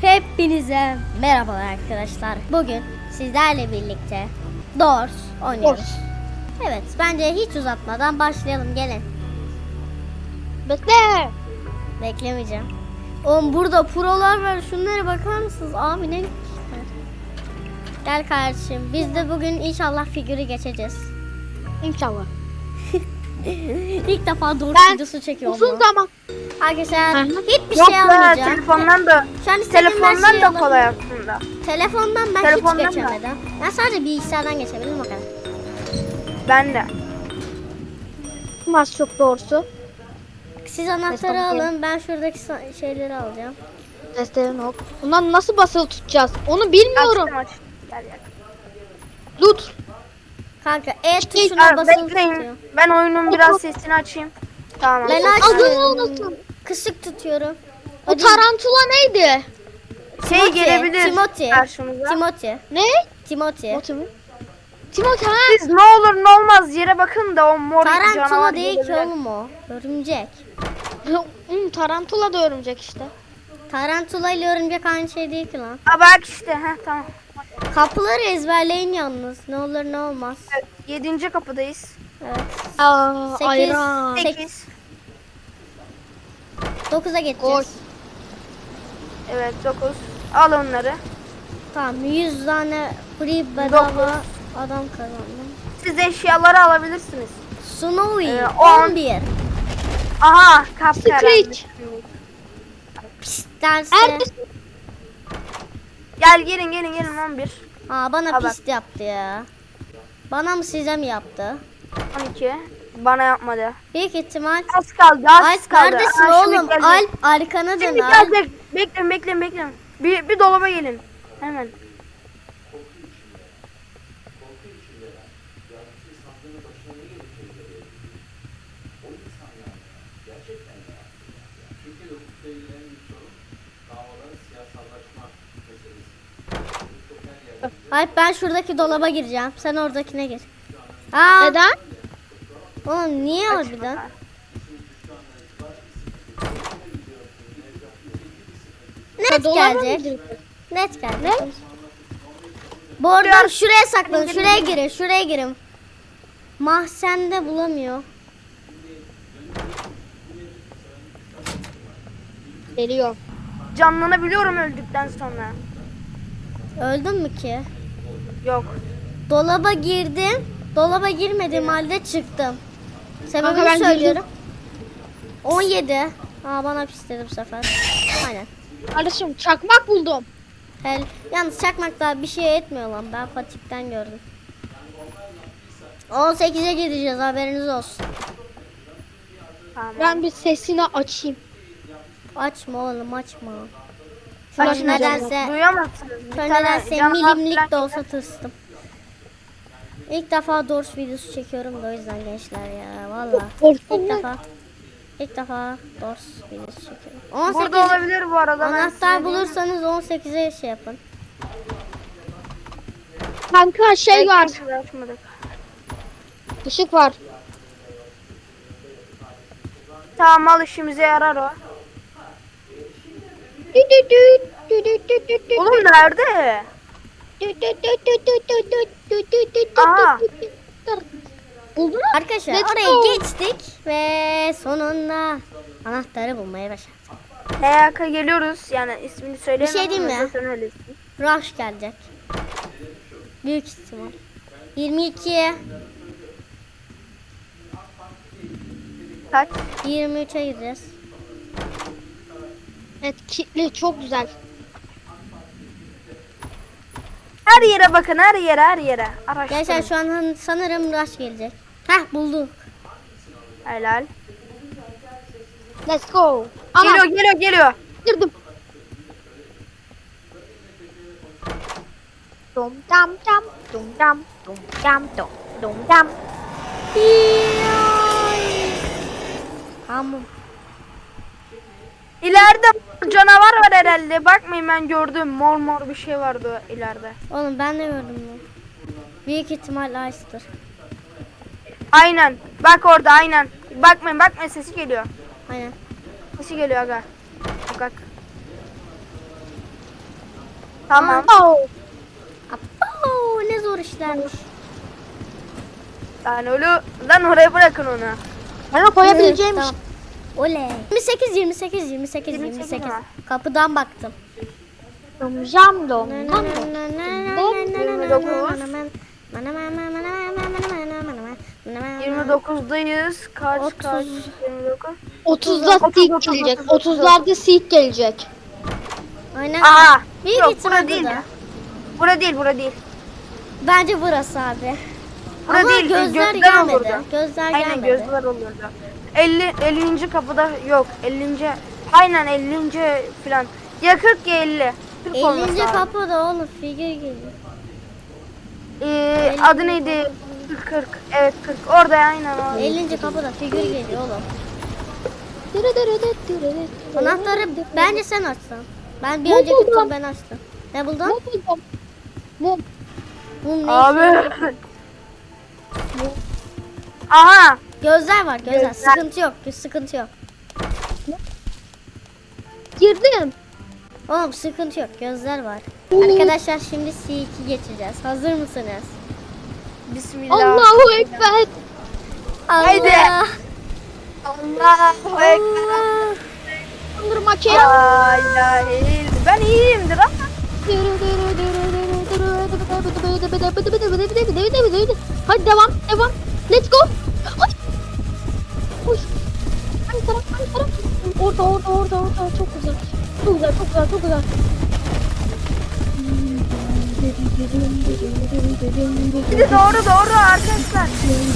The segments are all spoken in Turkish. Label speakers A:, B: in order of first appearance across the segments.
A: Hepinize merhabalar arkadaşlar. Bugün sizlerle birlikte Doors oynuyoruz. Evet, bence hiç uzatmadan başlayalım, gelin.
B: Bekle.
A: Beklemeyeceğim. Oğlum burada prolar var, şunlara bakar mısınız? Abi ne güzel. Gel kardeşim, biz de bugün inşallah figürü geçeceğiz.
B: İnşallah.
A: İlk defa Doors videosu çekiyorum.
B: Uzun zaman.
A: Arkadaşlar hiçbir
C: Yok
A: şey almayacağım.
C: telefondan da
A: Şu an istediğim her
C: telefondan
A: şeyi
C: da
A: alabilirim.
C: kolay aslında.
A: Telefondan ben
C: Telefondan
A: hiç
C: da.
A: geçemedim. Ben sadece bilgisayardan geçebildim o kadar.
C: Ben de.
B: Mas çok doğrusu.
A: Siz anahtarı
B: Tamam.
A: alın, ben şuradaki şeyleri alacağım.
B: Testlerin hop. Bundan nasıl basılı tutacağız? Onu bilmiyorum.
C: Açtım aç. Gel gel.
B: Lut.
A: Kanka E tuşuna
C: Aa,
A: basılı
C: bekleyin.
A: tutuyor.
C: Ben oyunun biraz sesini açayım. Tamam.
A: Ben
B: Adını
A: açmıyorum.
B: unuttum.
A: Kısık tutuyorum.
B: O tarantula neydi?
C: Şey
A: Timothy,
C: gelebilir
A: Timothy.
C: karşımıza.
A: Timothy.
B: Ne?
A: Timothy.
B: Timothy ha?
C: Siz ne olur ne olmaz yere bakın da o mor canavar
A: Tarantula değil ki
C: gelebilir.
A: oğlum o. Örümcek.
B: Tarantula da örümcek işte.
A: Tarantula ile örümcek aynı şey değil ki lan.
C: Aa bak işte tamam.
A: Kapıları ezberleyin yalnız. Ne olur ne olmaz.
C: Evet, 7. kapıdayız.
A: Evet.
B: Aa,
A: Sekiz.
B: ayran.
C: 8.
A: 9'a geçeceğiz.
C: Evet 9. Al onları.
A: Tamam, 100 tane free bedava adam kazandım.
C: Siz eşyaları alabilirsiniz.
A: Snowy
C: o an-
A: 11.
C: Aha kapkaranlık.
B: Screech.
A: Pist derse.
B: Herkes
C: Gel gelin 11.
A: Aa, bana
C: Ha, bak.
A: pist yaptı ya. Bana mı size mi yaptı?
C: 12. Bana yapmadı.
A: Büyük ihtimal.
C: Az kaldı az
A: Alp
C: kaldı.
A: neredesin
C: Aa, şimdi
A: oğlum?
C: gelecek.
A: Alp arkana dön
C: Şimdi
A: Alp.
C: gelecek. Bekleyin. Bir dolaba gelin. Hemen.
A: Alp, ben şuradaki dolaba gireceğim. Sen oradakine gir. Aa,
B: neden?
A: oğlum niye harbiden? Net
B: Dolaba mı
A: gelecek.
B: girdin?
A: Net gelecek.
B: Ne?
A: Bu arada şuraya saklanın. Şuraya girin. Mahzende bulamıyor.
B: Geliyor.
C: Canlanabiliyorum öldükten sonra.
A: Öldün mü ki?
C: Yok.
A: Dolaba girdim. Dolaba girmediğim halde çıktım.
B: Kanka,
A: Sebebini
B: ben
A: söylüyorum. 17. Aa, bana pis dedi bu sefer. Aynen.
B: Kardeşim çakmak buldum.
A: Yalnız çakmak daha bir şey etmiyor lan. Ben Fatih'ten gördüm. 18'e gideceğiz, haberiniz olsun.
C: Tamam.
B: Ben bir sesini açayım.
A: Açma oğlum, açma.
B: Şunu
A: Bak
B: açmayacağım.
A: nedense,
C: Duyamazsınız. Bir tane
A: nedense
C: canavar
A: milimlik
C: falan
A: de olsa tırstım. İlk defa Doors videosu çekiyorum da o yüzden gençler ya, valla. İlk defa Doors videosu çekiyorum. 18
C: Burada olabilir bu arada. ben size
A: anahtar
C: diyeyim.
A: bulursanız 18'e şey yapın.
B: Kanka şey var.
C: Kimse açmadık.
B: Işık var.
C: Tamam al işimize yarar o. Oğlum nerede? Aha.
B: Buldun mu?
A: Arkadaşlar
B: Let's
A: oraya
B: go.
A: geçtik ve sonunda anahtarı bulmaya başardık.
C: HYK geliyoruz. Yani ismini söyleyemem.
A: Bir şey diyeyim mi?
C: ama zaten öylesin.
A: Rush gelecek. Büyük ihtimal. 22'ye
C: Kaç?
A: 23'e gideceğiz.
B: Evet, kitli çok güzel.
C: Her yere bakın her yere. Araştırın.
A: Gençler şu an sanırım Rush gelecek. Heh, bulduk.
C: Helal.
B: Let's go. Ana
C: Geliyor.
B: girdim. Dum dam dam dum dam dum dam dum dam.
A: Tamam.
C: İleride canavar var herhalde. Bakmayın ben gördüm. Mor bir şey vardı ileride.
A: Oğlum ben de gördüm bunu. Büyük ihtimal Ice'dır.
C: Aynen. Bak orada aynen. Bakmayın sesi geliyor.
A: Aynen.
C: Sesi geliyor aga. Bak. Tamam.
B: Oh.
A: Oo, ne zor işlermiş.
C: Lan öyle lan oraya bırakın onu.
B: Bana koyabileceğim
A: Tamam. Oley. 28 28 28
C: 28
A: 28.
C: var.
A: Kapıdan baktım.
B: Jam dom.
C: 29'dayız. Kaç 29?
B: 30'da seek gelecek. 30'larda seek gelecek.
A: Aynen.
C: Aa!
A: Bir
C: Yok
A: gitsin
C: bura değil.
A: burada.
C: Bura değil.
A: Bence burası abi.
C: Bura
A: Ama
C: değil.
A: gözler
C: Gözler
A: gelmedi.
C: olurdu.
A: Gözler
C: Aynen
A: gelmedi.
C: gözler olurdu. 50. kapıda yok. 50. Aynen 50. falan. Ya 40 ya 50. 40 olması
A: 50.
C: lazım.
A: kapıda oğlum figür geliyor.
C: Adı neydi? 40. Evet 40. Orada aynen o.
A: 50. kapıda figür geliyor oğlum. Anahtarı bence sen açsan. Ben bir
B: Ne
A: önceki
B: buldun?
A: tur ben açtım. Ne buldun?
B: Mum.
A: Mum ne
C: Abi.
A: işe-
C: Aha.
A: Gözler var gözler.
C: Gözler.
A: Sıkıntı yok. Sıkıntı yok.
B: Girdim.
A: Oğlum sıkıntı yok. Gözler var. Arkadaşlar şimdi C2 geçeceğiz. Hazır mısınız?
C: Bismillah.
B: Allahu Ekber.
C: Haydi.
A: Allah.
C: Allahu Ekber.
A: Allah.
B: Kandırma ki.
C: La ilahe illallah. Ben iyiyimdir ama.
B: Hadi devam. Let's go. Hadi. Koş. Hangi taraf? Orada. Çok güzel. Çok güzel.
C: Bir de doğru arkadaşlar.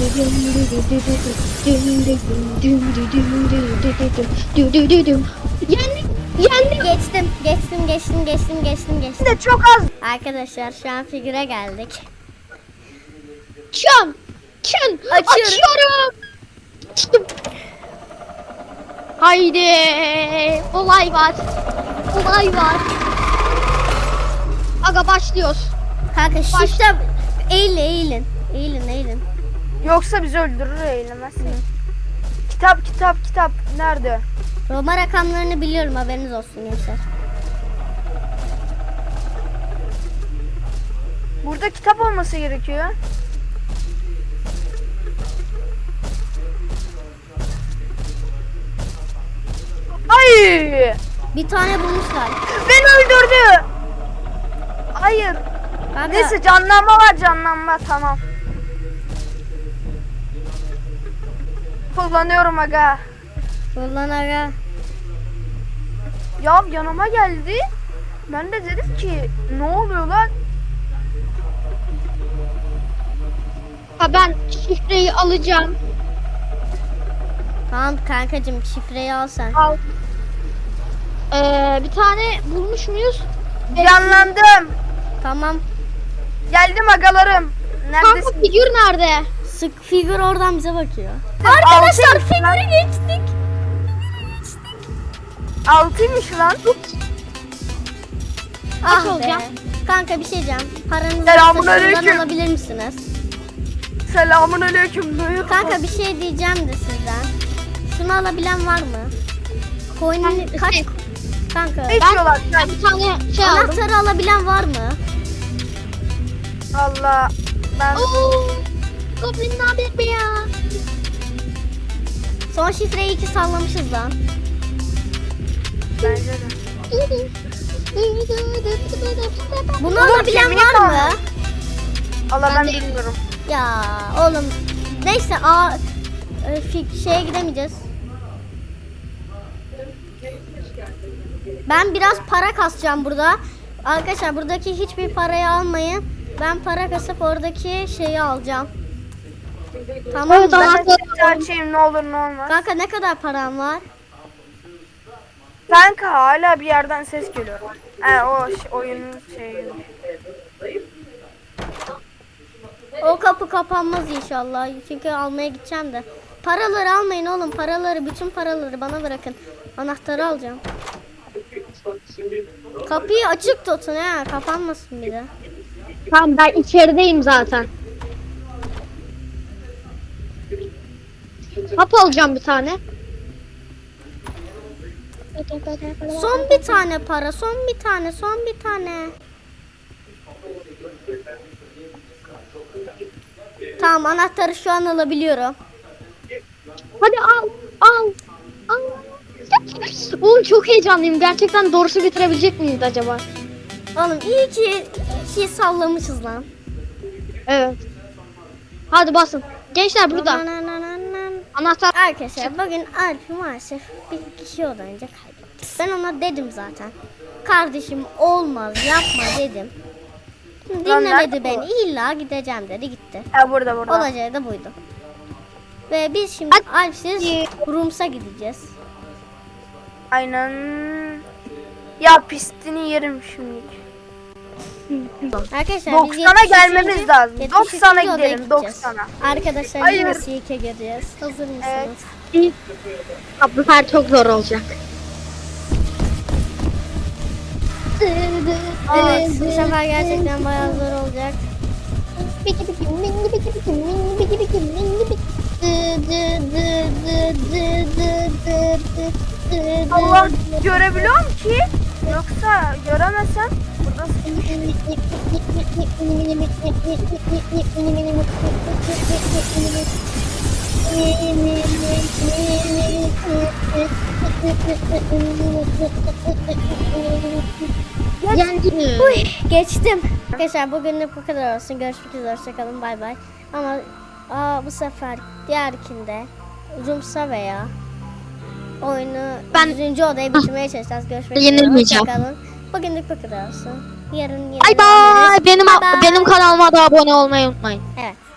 B: Yendik.
A: Geçtim.
C: Bir de çok az.
A: Arkadaşlar şu an figüre geldik.
B: Çan.
A: Açıyorum.
B: Açıyorum. Açtım. Haydi. Olay var. Aga başlıyoruz.
A: Kanka shift'e eğilin.
C: Yoksa bizi öldürür eylemezsin. Kitap. Nerede?
A: Roma rakamlarını biliyorum haberiniz olsun gençler.
C: Burada kitap olması gerekiyor. Ay!
A: Bir tane bulmuşlar.
C: Beni öldürdü. Hayır.
A: Kanka,
C: Neyse canlanma tamam. Kullanıyorum aga.
A: kullan aga.
C: Ya yanıma geldi. Ben de dedim ki ne oluyor lan?
B: Ha ben şifreyi alacağım.
A: Tamam kankacığım şifreyi al sen.
B: Al. Bir tane bulmuş muyuz?
C: Canlandım.
A: Tamam.
C: Geldim agalarım.
B: Kanka
C: Neredesin?
B: figür nerede?
A: Sık figür oradan bize bakıyor.
C: Altıymış
A: Arkadaşlar
C: lan.
A: figürü geçtik.
C: 6'ymış lan.
A: Ah be.
B: olacağım?
A: Kanka bir şey diyeceğim. Paranızı
C: Selamünaleyküm.
A: şuradan alabilir misiniz?
C: Selamun aleyküm.
A: Kanka bir şey diyeceğim de sizden. Şunu alabilen var mı? Coin'in kaç? Kanka
C: Ne içiyorlar?
B: Ben bir tane şey aldım.
A: anahtarı alabilen var mı?
C: Allah. Ben
B: Oo, Goblin ne haber be ya?
A: Son şifreyi 2 sallamışız lan.
C: bence de.
A: Bunu alabilen
C: kemiği
A: var mı?
C: kaldı. Allah ben
B: Ben de-
C: bilmiyorum.
A: Ya oğlum neyse şeye gidemeyeceğiz. Ben biraz para kasacağım burada. Arkadaşlar buradaki hiçbir parayı almayın. Ben para kasıp oradaki şeyi alacağım. Tamam
B: Evet,
A: mı?
B: ama-
C: Ben de sesi açayım ne olur ne olmaz.
A: Kanka ne kadar param var?
C: Kanka hala bir yerden ses geliyor. Oyunun şeyi.
A: O kapı kapanmaz inşallah. Çünkü almaya gideceğim de. Paraları almayın oğlum. Bütün paraları bana bırakın. Anahtarı alacağım. Kapıyı açık tutun ha. Kapanmasın bir de.
B: Tamam ben içerideyim zaten. Hap alacağım bir tane.
A: Son bir tane para. Son bir tane. Tamam, anahtarı şu an alabiliyorum.
B: Hadi al. Al. Oğlum çok heyecanlıyım. Gerçekten doğrusu bitirebilecek miyiz acaba?
A: Oğlum iyi ki şey sallamışız lan.
B: Evet. Hadi basın. Gençler burada. Anahtar.
A: Arkadaşlar bugün Alp maalesef bir kişi olunca kaybetti. Ben ona dedim zaten. Kardeşim olmaz yapma dedim.
C: Lan
A: Dinlemedi
C: nerede
A: beni. İlla gideceğim dedi, gitti.
C: Burada.
A: Olacağı da buydu. Ve biz şimdi Alp'siz Rums'a gideceğiz.
C: Aynen. Ya pistini yerim şimdi.
A: Arkadaşlar
C: 90'a gelmemiz lazım.
A: 73.
C: 90'a
A: odaya
C: gidelim,
A: gideceğiz.
C: 90'a.
A: Arkadaşlar
C: Hayır.
A: yine Silk'e gireceğiz. Hazır mısınız?
C: Evet.
B: Bu sefer çok zor olacak.
A: Evet, bu sefer gerçekten bayağı zor olacak.
C: Allah görebiliyorum ki. Yoksa göremesem burada
A: Uy, geçtim. Arkadaşlar bugünlük bu kadar olsun. Görüşmek üzere. Hoşçakalın. Bay bay. Ama bu sefer diğerkinde Rums'a veya oyunu
B: Ben-
A: 100. odayı bitirmeye çalışacağız. Görüşmek üzere.
B: Yenilmeyeceğim.
A: Hoşçakalın. Bugünlük bu kadar olsun. Yarın
B: Bay bay.
A: Bye bye.
B: Benim kanalıma da abone olmayı unutmayın.
A: Evet.